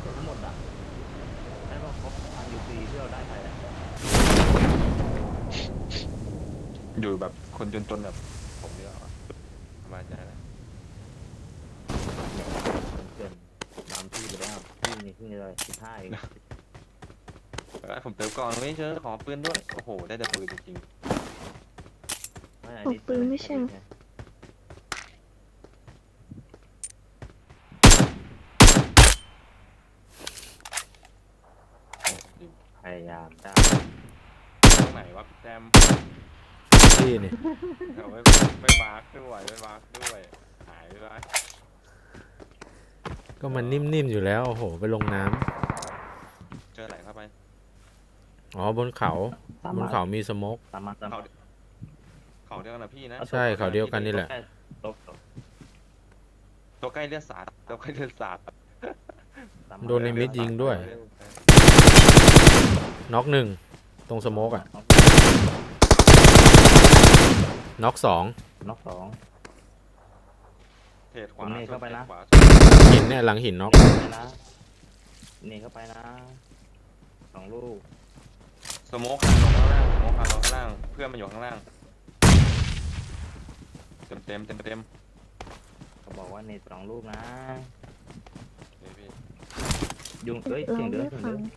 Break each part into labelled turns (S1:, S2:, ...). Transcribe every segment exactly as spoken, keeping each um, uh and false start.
S1: เสร็จทั้งหมดอ่ะได้ป่ะครบพันยูซีที่เราได้ไปอ่ะ
S2: อยู่แบบคนจนๆแบบผมเนี่ยสบายใจแล้ว
S1: เกินตามที่ไปแล้วที่นี่ที่นี่เลยสิบห้าเอง
S2: ผมเติมก่อนไม่เจอขอปืนด้วยโอ้โหได้แต่ปืนจริง
S3: ตกปืนไม่ใช่
S1: พยายามได้
S2: ๆตรงไหนวะพี่แจม
S4: ที่นี่
S2: เอาไม่ไม่มาร์คด้วยไม่มาร์คด้วยหายไปแล้ว
S4: ก็มันนิ่มๆอยู่แล้วโอ้โหไปลงน้ำ
S2: เจอไหลเข้าไป
S4: อ๋อบนเขาบนเขามีสโมก
S1: ตามมาตาม
S2: เขา
S1: มา
S2: เขาเดียวกันนะพี่นะ
S4: ใช่เขาเดียวกันนี่แหละ
S1: ตบตบ
S2: ตัวใกล้เลือดสาดตัวใกล้เลือดสาด
S1: ตามมา
S4: โดนในมิดยิงด้วย น็อกหนึ่งตรงสโมกอะน็อกสอง
S1: น็อกสอง
S2: เทรดขวา
S1: ผมนี่เข้าไปนะ
S2: ขวา
S4: หินเนี่ยหลังหินน็อก
S1: ไปนะนี่เข้าไปนะสองลูก
S2: สโมกคานลงข้างล่างสโมกคานลงข้างล่างเพื่อนมันอยู่ข้างล่างเต็มเต็มเต็มเต็ม
S1: เขาบอกว่าเนตสองลูกนะ
S2: เฮ้ยพี่
S1: ยุงเอ้ย
S3: เรา
S1: เสียงเดือ
S3: ไม่
S1: ดเสียง
S3: ฟั
S1: เดื
S3: ง
S1: อด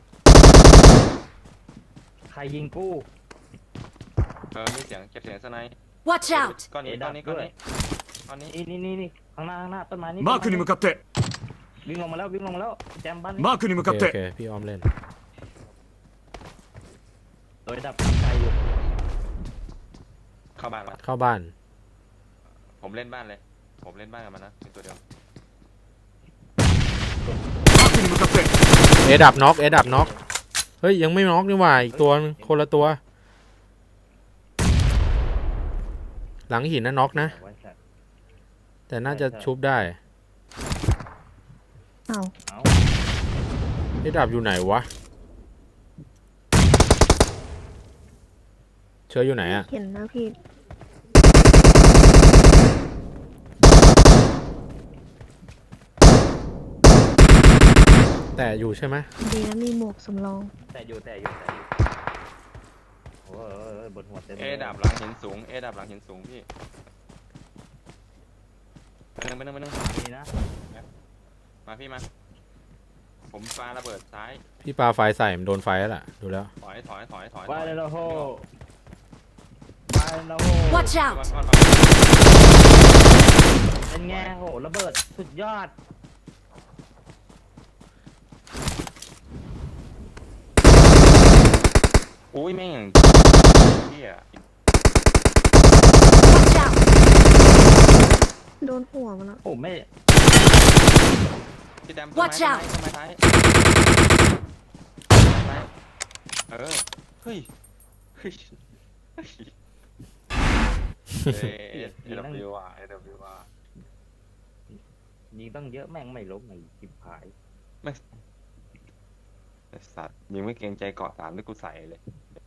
S1: ใครยิงกู
S2: เออมีเสียงเก็บเสียงสไนป์
S5: Watch out!
S2: ก้อนนี้ก้อนนี้ก้อนนี้ก้อนนี้
S1: นี่นี่นี่นี่ข้างหน้าข้างหน้าต้นไม้นี่
S6: マークに向かって
S1: วิ่งลงมาแล้ววิ่งลงมาแล้วแจมบ้านนี่
S6: マークに向
S4: โอ
S6: か
S4: เค
S6: っ
S4: โอเค
S6: て
S4: พี่ออมเล่น
S1: โดยดับทางไกลอยู่
S2: เข้าบ้านละ
S4: เข้าบ้าน
S2: ผมเล่นบ้านเลย ผมเล่นบ้านกับมันนะเป็นตัวเดียว
S6: マークに向かって
S4: เอดับน็อกเอดับน็อกเฮ้ยยังไม่น็อกนี่หว่าอีกตัวนึงคนละตัว หลังหินนะน็อกนะ
S1: ไว้แสบ
S4: แต่น่าจะชุบได้
S3: เอา
S1: เอา
S4: เอดับอยู่ไหนวะเชออยู่ไหนอะ
S3: เห็นนะพี่
S4: แต่อยู่ใช่ไหม
S3: ดีนะมีหมวกสำรอง
S1: แต่อยู่แต่อยู่แต่อยู่โอ้ยโอ้ยโอ้ยบนหัวเต็ม
S2: เอดับหลังหินสูงเอดับหลังหินสูงพี่ไปนึงไปนึงไปนึง
S1: นี่นะ
S2: มาพี่มา ผมปาระเบิดซ้าย
S4: พี่ปาไฟใส่มันโดนไฟแล้วล่ะดูแล้ว
S2: ถอยถอยถอยถอย
S1: ไปเลยละโหไปเลยละโห
S5: Watch
S2: มา
S5: out!
S2: ก่อน
S1: เป็นไงโหระเบิดสุดยอด
S2: อุ้ยแม่งเฮีย
S5: Watch out!
S3: โดนหัวมันแล้ว
S1: โอ้ไม่
S2: พี่แดมต้น
S5: Watch
S2: ไม้
S5: out
S2: ต้นไม้ต้นไม้ท้ายไม้เออเฮ้ยเฮ้ยเฮ้ยเอเอวอ่ะเอวอ่ะ
S1: ยิงตั้งเยอะแม่งไม่ล้มไอ้จิบหาย
S2: ไอ้สัตว์ยิงไม่เกรงใจเกาะสามที่กูใส่เลย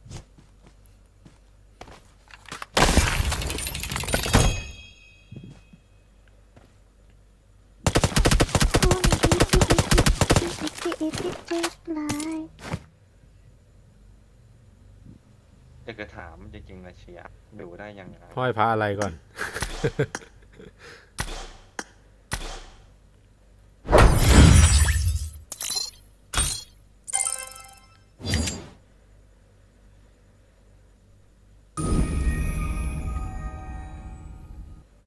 S2: จะเกิดถามจริงๆนะเชียร์ดูได้ยังไง
S4: ห้อยพระอะไรก่อน